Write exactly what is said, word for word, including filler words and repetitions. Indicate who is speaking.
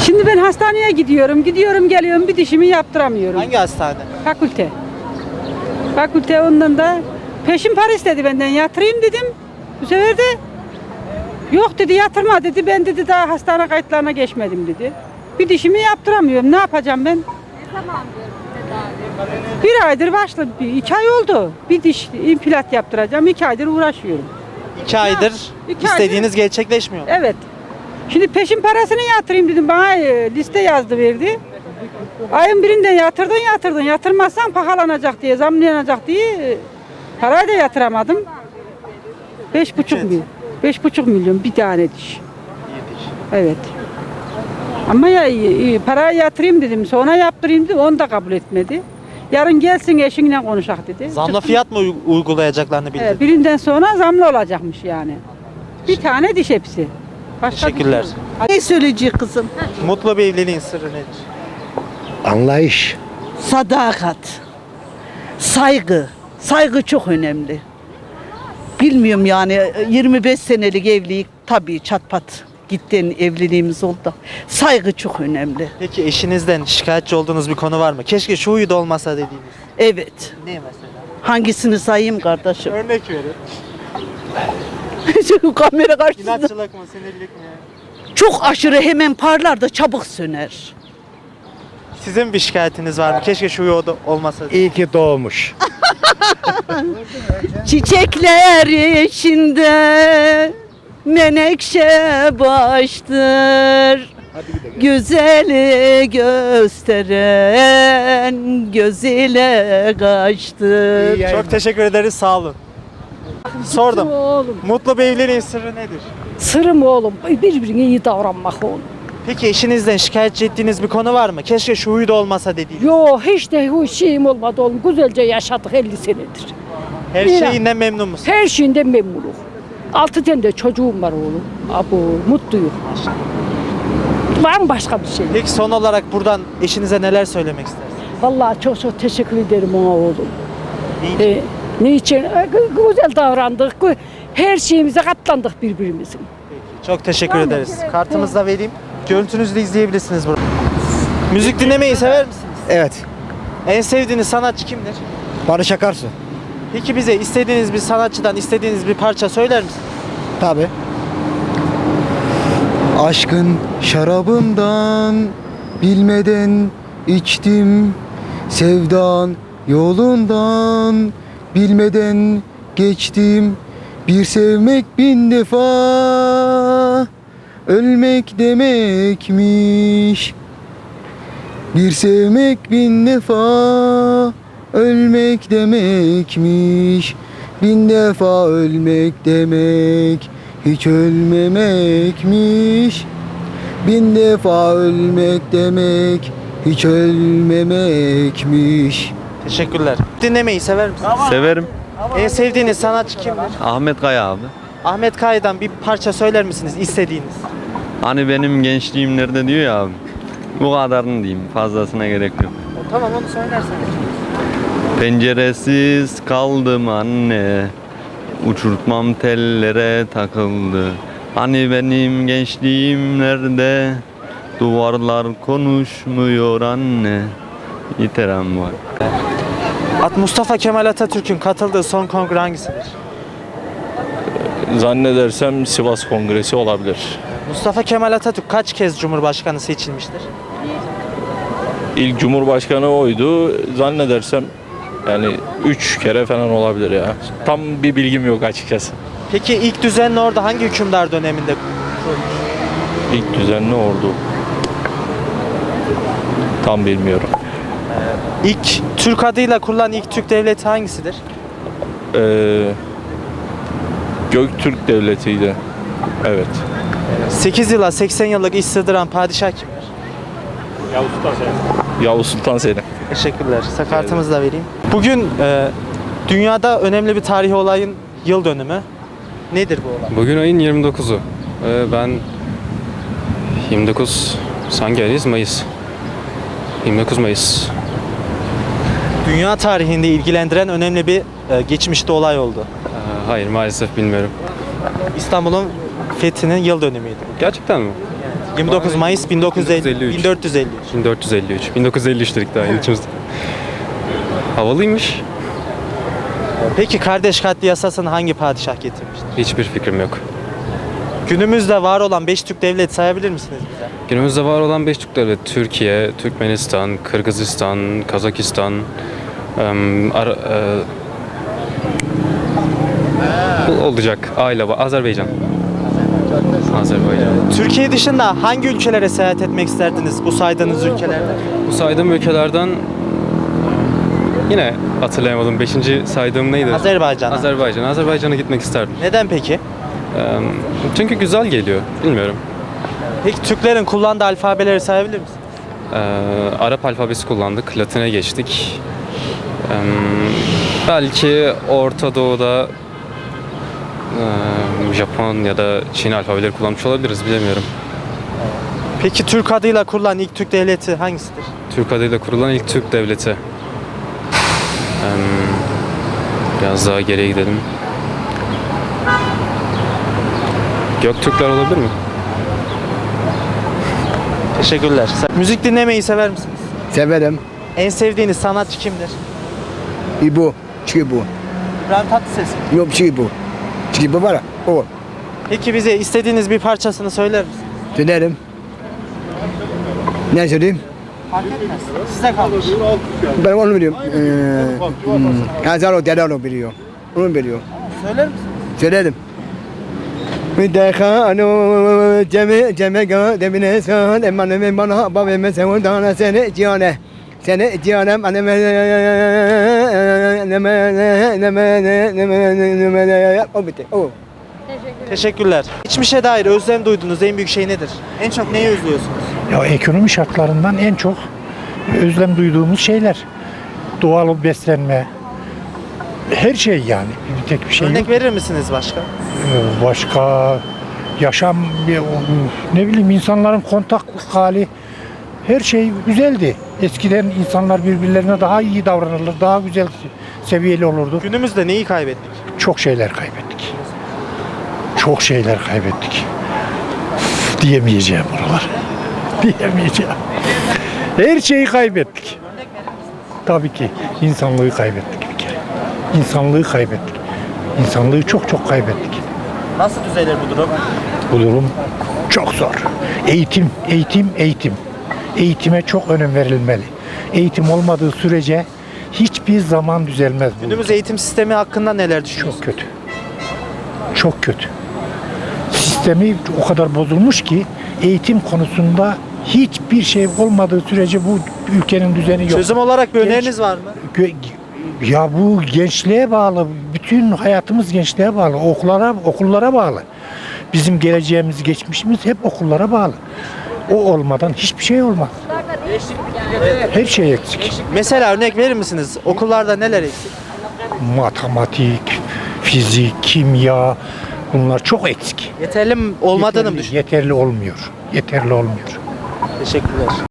Speaker 1: Şimdi ben hastaneye gidiyorum, gidiyorum geliyorum bir dişimi yaptıramıyorum.
Speaker 2: Hangi hastane?
Speaker 1: Fakülte. Fakülte ondan da peşin para istedi benden yatırayım dedim. Bu sefer de yok dedi yatırma dedi. Ben dedi daha hastane kayıtlarına geçmedim dedi. Bir dişimi yaptıramıyorum. Ne yapacağım ben? Bir aydır başladı. Bir, iki ay oldu. Bir diş implant yaptıracağım. İki aydır uğraşıyorum.
Speaker 2: İki aydır
Speaker 1: iki
Speaker 2: istediğiniz
Speaker 1: aydır-
Speaker 2: gerçekleşmiyor.
Speaker 1: Evet. Şimdi peşin parasını yatırayım dedim. Bana e, liste yazdı verdi. Ayın birinden yatırdın yatırdın. Yatırmazsan pahalanacak diye, zamlanacak diye e, parayı da yatıramadım. Beş buçuk milyon. Beş buçuk milyon bir tane diş. Evet. Ama ya e, parayı yatırayım dedim. Sonra yaptırayım dedim. Onu da kabul etmedi. Yarın gelsin eşinle konuşak dedi.
Speaker 2: Zamla
Speaker 1: Çıktım.
Speaker 2: fiyat mı uy- uygulayacaklarını bildirdi?
Speaker 1: Evet, birinden sonra zamlı olacakmış yani. Bir tane diş hepsi. Başka
Speaker 2: Teşekkürler.
Speaker 1: diş yok.
Speaker 3: Ne söyleyecek kızım?
Speaker 2: Mutlu bir evliliğin sırrı nedir?
Speaker 4: Anlayış.
Speaker 3: Sadakat, saygı. Saygı çok önemli. Bilmiyorum yani yirmi beş senelik evlilik tabii çatpat gitten evliliğimiz oldu da saygı çok önemli.
Speaker 2: Peki eşinizden şikayetçi olduğunuz bir konu var mı? Keşke şu huyu da olmasa dediğiniz.
Speaker 3: Evet.
Speaker 2: Ne mesela?
Speaker 3: Hangisini sayayım kardeşim?
Speaker 2: Örnek verin.
Speaker 3: Şu kamera karşısında
Speaker 2: İnatçılık mı, sinirlilik mi?
Speaker 3: çok aşırı hemen parlar da çabuk söner.
Speaker 2: Sizin bir şikayetiniz var mı? Keşke şu huyu da olmasa.
Speaker 4: İyi ki doğmuş.
Speaker 3: Çiçekler içinde menekşe baştır. Güzeli gösteren göz ile kaçtır.
Speaker 2: Çok teşekkür ederiz, sağ olun. Sordum.
Speaker 1: Oğlum.
Speaker 2: Mutlu bir evliliğin sırrı nedir?
Speaker 1: Sırım oğlum. Birbirine iyi davranmak oğlum.
Speaker 2: Peki eşinizden şikayetçi ettiğiniz bir konu var mı? Keşke şu huyu da olmasa dediğiniz.
Speaker 1: Yo hiç de o şeyim olmadı oğlum. Güzelce yaşadık elli senedir.
Speaker 2: Her
Speaker 1: İyi.
Speaker 2: şeyinden memnun musun?
Speaker 1: Her şeyinden memnunum. Altı tane de çocuğum var oğlum. Abo mutluyum. Var mı başka bir şey?
Speaker 2: Peki son olarak buradan eşinize neler söylemek istersiniz?
Speaker 1: Vallahi çok çok teşekkür ederim ona oğlum.
Speaker 2: Niçin?
Speaker 1: Ee, niçin? Ee, gü- Güzel davrandık. Gü- Her şeyimize katlandık birbirimizin.
Speaker 2: Çok teşekkür
Speaker 1: Tamam,
Speaker 2: ederiz.
Speaker 1: evet,
Speaker 2: Kartımızı da vereyim. Görüntünüzü de izleyebilirsiniz burada. Müzik dinlemeyi sever misiniz?
Speaker 4: Evet.
Speaker 2: En sevdiğiniz sanatçı kimdir?
Speaker 4: Barış Akarsu.
Speaker 2: Peki bize istediğiniz bir sanatçıdan istediğiniz bir parça söyler misiniz?
Speaker 4: Tabi. Aşkın şarabından bilmeden içtim. Sevdan yolundan bilmeden geçtim. Bir sevmek bin defa ölmek demekmiş. Bir sevmek bin defa ölmek demekmiş. Bin defa ölmek demek hiç ölmemekmiş. Bin defa ölmek demek hiç ölmemekmiş.
Speaker 2: Teşekkürler. Dinlemeyi sever misiniz?
Speaker 5: Severim.
Speaker 2: En sevdiğiniz sanatçı kimdir?
Speaker 5: Ahmet Kaya abi.
Speaker 2: Ahmet Kaya'dan bir parça söyler misiniz istediğiniz?
Speaker 5: Hani benim gençliğim nerede diyor ya abi. Bu kadarını diyeyim. Fazlasına gerek yok.
Speaker 2: Tamam onu söylerseniz.
Speaker 5: Penceresiz kaldım anne. Uçurtmam tellere takıldı. Hani benim gençliğim nerede? Duvarlar konuşmuyor anne. Yeter abi var.
Speaker 2: At Mustafa Kemal Atatürk'ün katıldığı son kongre hangisidir?
Speaker 6: Zannedersem Sivas Kongresi olabilir.
Speaker 2: Mustafa Kemal Atatürk kaç kez Cumhurbaşkanı seçilmiştir?
Speaker 6: İlk Cumhurbaşkanı oydu. Zannedersem yani üç kere falan olabilir ya. Tam bir bilgim yok açıkçası.
Speaker 2: Peki ilk düzenli ordu hangi hükümdar döneminde?
Speaker 6: İlk düzenli ordu. Tam bilmiyorum.
Speaker 2: İlk Türk adıyla kurulan ilk Türk devleti hangisidir?
Speaker 6: Ee, Göktürk Devleti'ydi. Evet.
Speaker 2: sekiz yıla seksen yıllık iş sığdıran padişah kimdir?
Speaker 6: Yavuz Sultan Selim.
Speaker 2: Teşekkürler. Size kartımızı da vereyim. Bugün e, dünyada önemli bir tarihi olayın yıl dönümü. Nedir bu olay?
Speaker 7: Bugün ayın yirmi dokuzu. Ee, ben yirmi dokuz hangi ayıyız? Mayıs. yirmi dokuz Mayıs.
Speaker 2: Dünya tarihinde ilgilendiren önemli bir e, geçmişte olay oldu.
Speaker 7: Ee, hayır maalesef bilmiyorum.
Speaker 2: İstanbul'un fethinin yıl dönümüydü.
Speaker 7: Gerçekten mi?
Speaker 2: Evet. yirmi dokuz Mayıs bin dokuz yüz elli,
Speaker 7: bin dokuz yüz elli üç.
Speaker 2: bin dört yüz elli üç.
Speaker 7: bin dört yüz elli üç. bin dokuz yüz elli üç dedik daha yeni içimizde. Havalıymış.
Speaker 2: Peki kardeş katli yasasını hangi padişah getirmiştir?
Speaker 7: Hiçbir fikrim yok.
Speaker 2: Günümüzde var olan beş Türk devleti sayabilir misiniz bize?
Speaker 7: Günümüzde var olan beş Türk devleti Türkiye, Türkmenistan, Kırgızistan, Kazakistan, em, Ar- e, bu olacak. Aile var. Azerbaycan. Azerbaycan.
Speaker 2: Türkiye dışında hangi ülkelere seyahat etmek isterdiniz bu saydığınız ülkelerde?
Speaker 7: Bu saydığım ülkelerden yine hatırlayamadım. Beşinci saydığım neydi?
Speaker 2: Azerbaycan.
Speaker 7: Azerbaycan. Azerbaycan'a gitmek isterdim.
Speaker 2: Neden peki?
Speaker 7: Em, çünkü güzel geliyor. Bilmiyorum.
Speaker 2: Peki Türklerin kullandığı alfabeleri sayabilir misiniz?
Speaker 7: Ee, Arap alfabesi kullandık, Latin'e geçtik. Ee, belki Orta Doğu'da e, Japon ya da Çin alfabeleri kullanmış olabiliriz, bilemiyorum.
Speaker 2: Peki Türk adıyla kurulan ilk Türk devleti hangisidir?
Speaker 7: Türk adıyla kurulan ilk Türk devleti. Ee, biraz daha geriye gidelim. Göktürkler olabilir mi?
Speaker 2: Teşekkürler. Müzik dinlemeyi sever misiniz?
Speaker 4: Severim.
Speaker 2: En sevdiğiniz sanatçı kimdir?
Speaker 4: İbo. Çibu.
Speaker 2: İbrahim Tatlıses.
Speaker 4: Yok Çibu. Çibu var ya. O.
Speaker 2: Peki bize istediğiniz bir parçasını söyler misiniz?
Speaker 4: Söylerim. Ne söyleyeyim?
Speaker 2: Fark etmez. Size kalmış.
Speaker 4: Ben onu biliyorum. Ee, hmm. Hazaro Delalo biliyor. Onu biliyor.
Speaker 2: Söyler misiniz?
Speaker 4: Söylerim. Müdekano cemi cemega demine san emaneme bana babeme sevdana seni cihane seni cihanem aneme neme neme neme neme o bitti o.
Speaker 2: Teşekkürler. Geçmişe dair özlem duyduğunuz en büyük şey nedir? En çok neyi özlüyorsunuz?
Speaker 8: Ya ekonomi şartlarından en çok özlem duyduğumuz şeyler. Doğal beslenme. Her şey yani. Bir tek bir şey
Speaker 2: Örnek
Speaker 8: yok.
Speaker 2: verir misiniz başka?
Speaker 8: Ee, Başka yaşam, bir- ne bileyim insanların kontaklık hali, her şey güzeldi. Eskiden insanlar birbirlerine daha iyi davranırlar, daha güzel seviyeli olurdu.
Speaker 2: Günümüzde neyi kaybettik?
Speaker 8: Çok şeyler kaybettik. Çok şeyler kaybettik. Üf, diyemeyeceğim buralar. Diyemeyeceğim. Her şeyi kaybettik. Tabii ki insanlığı kaybettik bir kere. İnsanlığı kaybettik. İnsanlığı çok çok kaybettik.
Speaker 2: Nasıl düzelir bu durum?
Speaker 8: Bu durum çok zor. Eğitim, eğitim, eğitim. Eğitime çok önem verilmeli. Eğitim olmadığı sürece hiçbir zaman düzelmez bu.
Speaker 2: Günümüz eğitim sistemi hakkında neler düşünüyorsunuz?
Speaker 8: Çok kötü. Çok kötü. Sistemi o kadar bozulmuş ki eğitim konusunda hiçbir şey olmadığı sürece bu ülkenin düzeni yok.
Speaker 2: Çözüm olarak bir
Speaker 8: Genç-
Speaker 2: öneriniz var mı?
Speaker 8: Gö- Ya bu gençliğe bağlı. Bütün hayatımız gençliğe bağlı. Okullara, okullara bağlı. Bizim geleceğimiz, geçmişimiz hep okullara bağlı. O olmadan hiçbir şey olmaz. Her şey eksik.
Speaker 2: Mesela örnek verir misiniz? Okullarda neler eksik?
Speaker 8: Matematik, fizik, kimya bunlar çok eksik.
Speaker 2: Yeterli mi olmadığını mı
Speaker 8: Yeterli,
Speaker 2: düşünüyorsunuz?
Speaker 8: yeterli olmuyor. Yeterli olmuyor.
Speaker 2: Teşekkürler.